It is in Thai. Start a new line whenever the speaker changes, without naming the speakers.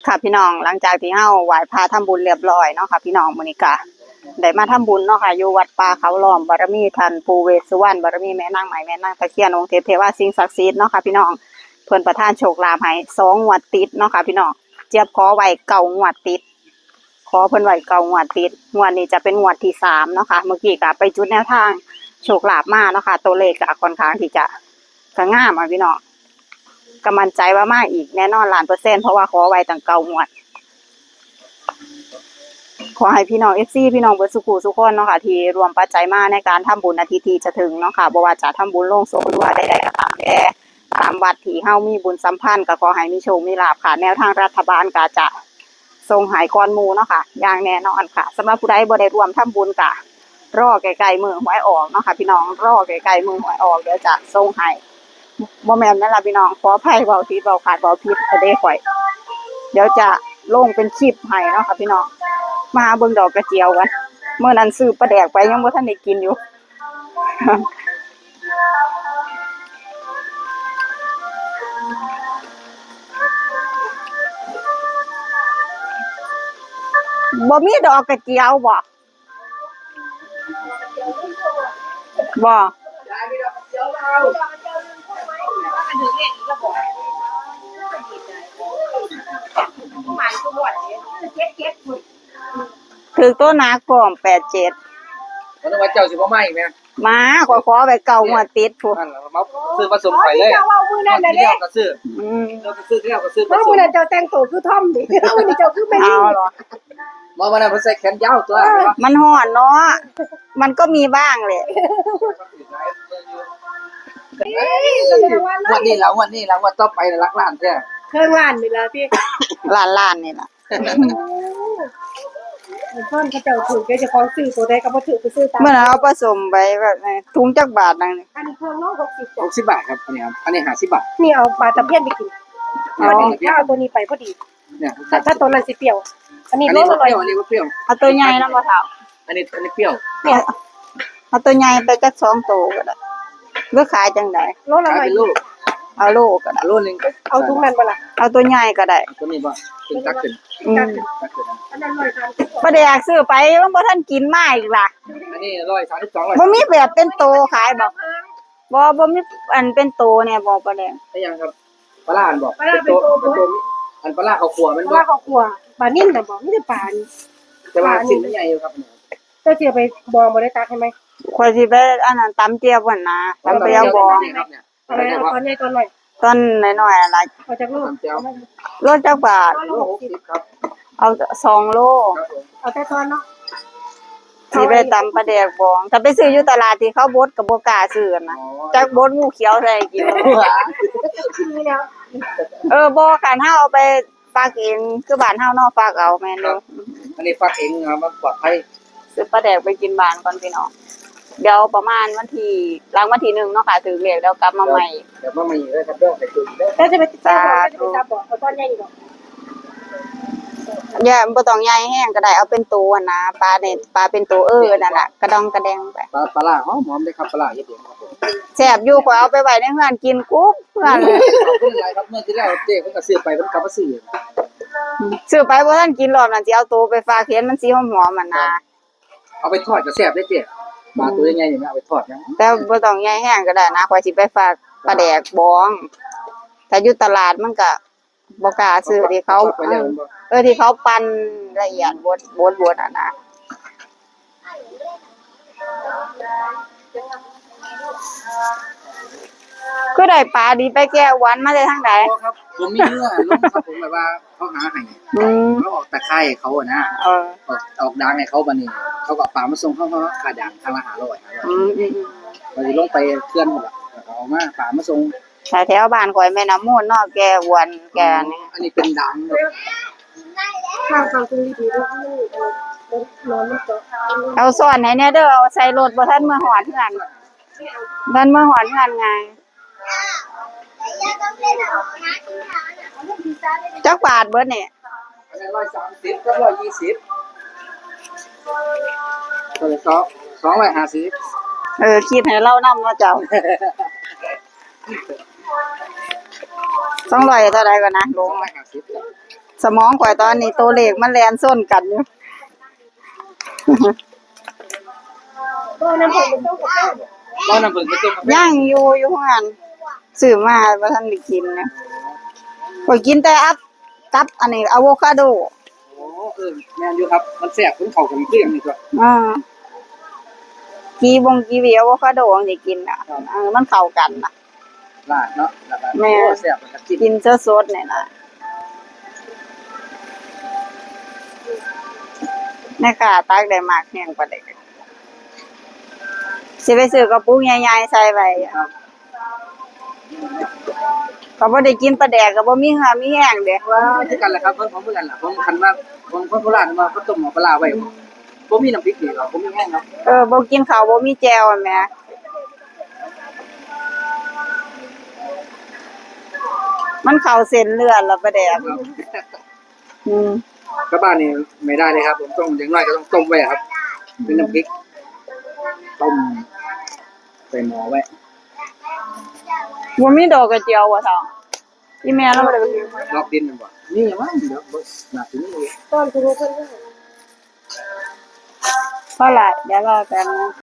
ค่ะพี่น้องหลังจากที่เฮาไหว้พระทำบุญเรียบร้อยเนาะค่ะพี่น้องมื้อนี้ก็ได้มาทำบุญเนาะค่ะอยู่วัดป่าเขาล้อมบารมีท่านปู่เวสสุวรรณบารมีแม่นางไหมแม่นางตะเคียนองค์เทพเทวาสิ่งศักดิ์สิทธิ์เนาะค่ะพี่น้องเพิ่นประทานโชคลาภให้2งวดติดเนาะค่ะพี่น้องเจี๊ยบขอไว้9งวดติดขอเพิ่นไว้9งวดติดงวดนี้จะเป็นงวดที่3เนาะค่ะเมื่อกี้ก็ไปจุดแนวทางโชคลาภมาเนาะค่ะตัวเลขก็ค่อนข้างที่จะงามอ่ะพี่น้องก็มั่นใจว่ามากอีกแน่นอน1,000,000%เพราะว่าขอไว้ตั้ง9งวดขอให้พี่น้อง FC พี่น้องเบิดสุขุสุขคนเนาะค่ะที่รวมปัจจัยมาในการทำบุญอาทิตย์ที่จะถึงเนาะค่ะบ่ว่าจะทำบุญลงศพหรือว่าใดๆก็ตามแต่ตามวัดที่เฮามีบุญสัมพันธ์ก็ขอให้มีโชคมีลาภค่ะแนวทางรัฐบาลก็จะส่งหายก่อนหมู่เนาะค่ะอย่างแน่นอนค่ะสำหรับผู้ใดบ่ได้ร่วมทำบุญก็รอใกล้ๆมื้อหวยออกเนาะค่ะพี่น้องรอใกล้ๆมื้อหวยออกเดี๋ยวจะส่งให้บ่แม่นนั่นล่ะพี่น้องขออภัยเว้าผิดเว้าขาดเว้าผิดเด้ข่อยเดี๋ยวจะลงเป็นคลิปให้เนาะค่ะพี่น้องมาเบิ่งดอกกระเจียวกันเมื่อนั้นซื้อปลาแดกไปยังบ่ทันได้กินอยู่ บ่มีดอกกระเจียวบ่ถือตัวหนากล่อม87
มันว่าเจ้าสิบ่มาอีกแม่
มาขอไปเก่างวดติดพุ
นั่นล่ะมาซื้อผสมไปเลยเจ้าเว้ามื้อนั้นน่ะเด้ก็ซื้อเราก็ซื้อแล้วก็ซื้อผสม
มื้อนั้นเจ้าแต่งตัวคือท่อมดิมื้อนี้เจ้าคือแม่ลิง
เอาเหรอ
มาวันนั้นเพิ่นใส่แขนยาวตัว
มันร้อนเนาะมันก็มีบ้างแหละ
วันนี้แล้ววันต่อไปน่ะรักล้านแท้
เครื่องล้านนี่ล่ะพี่
ล้านนี่ล่ะ
ท่อนเขาเจ้าถูกเจ้าของซื้อตัวใดก็บ่ถูกไปซื้อตาม
เมื่อเอาผสมไปแบบถุงจักบาทนั่นนี่
อันนี้เครื่องน้อง60
60 บาทครับอันนี้ครับอันนี้50 บาท
นี่เอาปลาตะเพียนไปกินพอดีถ้าเอาตัวนี้ไปพอดี
เนี่ย
ถ้าตัวนั้นสิเปรี้ยวอันนี้รสอร่อย
อันนี้บ่เปรี้ยว
เอาตัวใหญ่นำบ่เฒ่า
อันนี้เปรี้ยว
เนี่ยเอาตัวใหญ่ไปจัก2ตัวก็ได้หรือขายจังได๋
รสอร่อย
เอาโลก็ได้
โลนึง
เอาถุงนั้นบ่ล่ะ
เอาตัวใหญ่ก็ได้
ตัวนี้บ่เป็นตักขึ้น
อันนั้น130
บ่ได้อยากซื้อไปมันบ่ทันกินมาอีกล่ะ
อันนี้132
บ่มีแบบเป็นโตขายบ่มีอันเป็นโตเนี่ยบ่ปลาแดง
ได้ยังครับปลาอันบ่เป็นโตอันปลาข้าวคั่วมันบ่
ปลาข้าวคั่วปลานิ่มน่ะบ่มีแต่ปลา
แต่ว่าชิ้นมันใหญ่อยู่ครับ
เจ้าสิไปบองบ่ได้ตักให้มั้ย
ข่อยสิไปอันนั้นตำเจียวหั่นนะตำเจียวบอง
อะไรตอนใหญ่ตอนน้อย
ตอนน้อยๆอะไร
เอาจากลูก
โลจักบาท
โล60ครับ
เอา2โล
เอาแต่ตอนเนาะ
สิไปตำปลาแดกบองถ้าไปซื้ออยู่ตลาดที่เขาบดก็บ่กล้าซื้อนะจักบดงูเขียวใส่กิน
นี่แล้ว
บ่คันเฮาเอาไปฝากเองคือบ้านเฮาเนาะฝากเอาแม่นอยู่
อันนี้ฝากเองครับมันปลอดภัย
ซื้อปลาแดกไปกินบ้านก่อนพี่น้องเดี๋ยวประมาณวันที่หลังวันที่1เนาะค่ะถึงเลขแล้วกลับมาใหม่
เดี๋ยวมาใหม่เลยครับเด้อไปจุดเด้อ
แล้วจะไปจับบ่เอาตอนใหญ่อีกบ่
อย่าบ่ต้องใหญ่แห้งก็ได้เอาเป็นตัวนะปลาเนี่ยปลาเป็นตัวนั่นน่ะกระดองกระแดงไป
ปลาหอมๆเลยครับปลาเฮ็ดเองครับผม
แซ่บอยู่ข่อยเอาไปไว้ในเฮือนกินกุ๊บเฮือนเลย
ขอบคุณหลายครับเมื่อที่แล้วเจ๊เพิ่นก็ซื้อไปเพิ่นกลับมาซื้อ
ไปบ่ทันกินรอบนั้นสิเอาตัวไปฝากเห็นมันสิหอมๆมันนะ
เอาไปทอดก็แซ่บเด้เจ๊ปลาตัวใหญ่ๆนี่เอาไปทอดนะ
แต่บ่ต้องใหญ่แห้งก็ได้นะข่อยสิไปฝากปลาแดกบองถ้าอยู่ตลาดมันก็บ่กล้าซื้อที่เขาที่เขาปั่นละเอียดบดอ่ะนะก็ได้ปลาดีไปแก้วันมาได้ทางใด
ครับผมมีเนื้อลงครับผมแบบว่าเขาหาให้เขาออกตะไคร้เขาอ่ะนะออกดังให้เขาบัดนี้เขาก็ปลามาส่งเขาค่าด่างทางละ500ก็สิลงไปเคลื่อนหมดล่ะแล้วเอามาปลามาส่ง
แถวบ้านข่อยแม่น้ำมูลเนาะแก้วันแก้นี่
อันนี้เป็นดัง
ข้าวฟังคุณดีๆนอนมันก็
เอาสอนให้แน่เด้อเอาใส่รถบ่ทันมาฮอดเฮือนทันมาฮอดเฮือนไงจักบาทเบิดนี่
อันนี้130กับ120ตัวละ250
คิดให้เรานำเนาะเจ้า200เท่าใดก่อนนะลงสมองข่อยตอนนี้ตัวเลขมันแล่นส้นกันอยู่
ก็น้ำผึ้งเป็นต้มกับแก้ว
บ่น้ำผึ้งผสมกาแฟ
ย่างอยู่ข้างนั้นซื้อมาบ่ทันได้กินเนี่ยข่อยกินแต่กับอันนี้อะโวคาโด
โอ้แม่นอยู่ครับมันแซ่บมันเข้ากันคือหยังนี่ก็
อ่ากีวีอะโวคาโดจังสิกินอ่ะมันเข้ากันน่ะ
ลาดเนาะแล้วก็
แม่
โอ้แซ่บแล้วก็กิน
กินสดๆเนี่ยนะแม่ค่ะตักได้มากแห้งกว่าเด็กสิไปซื้อกระปุกใหญ่ๆใส่ไว้
ครับ
ก็บ่ได้กินปลาแดกก็บ่มีค่ะมีแห้งเด้
ว่าคือกันแหละครับผมคือกันล่ะผมคันว่าผมคนโคราชมาเขาต้มหม้อปลาร้าไว้บ่มีน้ำพริกนี่หรอกบ่มีแห้งครับ
บ่กินข้าวบ่มีแจ่วอะแหม่มันเข้าเส้นเลือดแล้วปลาแดก
ครับ
อืม
กลับบ้านนี่ไม่ได้เลยครับผมต้องอย่างน้อยก็ต้องต้มไว้ครับเป็นน้ำพริกต้มใส่หม้อไว้
บ่มีดอกกระเจียวบ่ท้องอีแม่เราบ่ได้ไปกิน
ลอกดินมันบ่นี่มั้งเดี๋ยวบ่น่าสิมี
ตอนคุณรู้เพื่อน
เพราะล่ะเดี๋ยวรอแป๊บนึง